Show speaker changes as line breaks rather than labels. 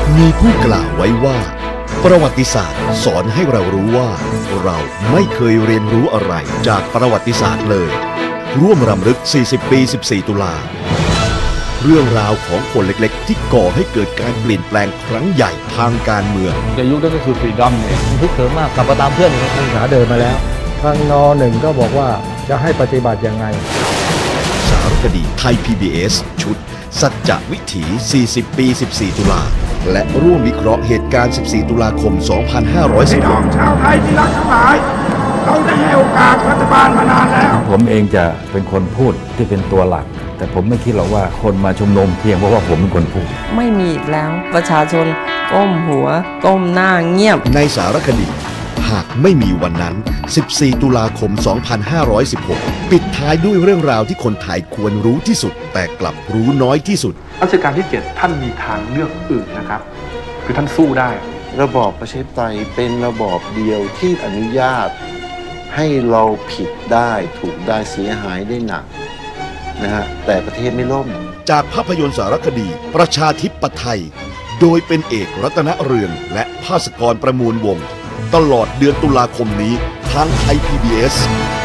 มีผู้กล่าวไว้ว่าประวัติศาสตร์สอนให้เรารู้ว่าเราไม่เคยเรียนรู้อะไรจากประวัติศาสตร์เลยร่วมรำลึก40 ปี 14 ตุลาเรื่องราวของคนเล็กๆที่ก่อให้เกิดการเปลี่ยนแปลงครั้งใหญ่ทางการเมือง
ในยุคนั้นก็คือฟรีดอมเนี่ย
ทุกเถิมมากกลับมาตามเพื่อนนักศึกษาเดินมาแล้วทางน.1ก็บอกว่าจะให้ปฏิบัติยังไง
สารคดีไทย PBS ชุดสัจจวิถี40 ปี 14 ตุลาและร่วมวิเคราะห์เหตุการณ์ 14 ตุลาคม 2516
พี่น้องชาวไทยที่รักทั้งหลายเราได้ให้โอกาสรัฐบาลมานานแล้ว
ผมเองจะเป็นคนพูดที่เป็นตัวหลักแต่ผมไม่คิดหรอกว่าคนมาชุมนุมเพียงเพราะว่าผมเป็นคนพูด
ไม่มีอีกแล้วประชาชนก้มหัวก้มหน้าเงียบ
ในสารคดีหากไม่มีวันนั้น14 ตุลาคม 2516ปิดท้ายด้วยเรื่องราวที่คนไทยควรรู้ที่สุดแต่กลับรู้น้อยที่สุด
รัชกาลที่ 7ท่านมีทางเลือกอื่นนะครับคือท่านสู้ได้
ระบอบประชาธิปไตยเป็นระบอบเดียวที่อนุญาตให้เราผิดได้ถูกได้เสียหายได้หนักนะฮะแต่ประเทศไม่ล่ม
จากภาพยนตร์สารคดีประชาธิปไตยโดยเป็นเอกรัตนเรืองและภาสกรประมูลวงศ์ตลอดเดือนตุลาคมนี้ทางไทย PBS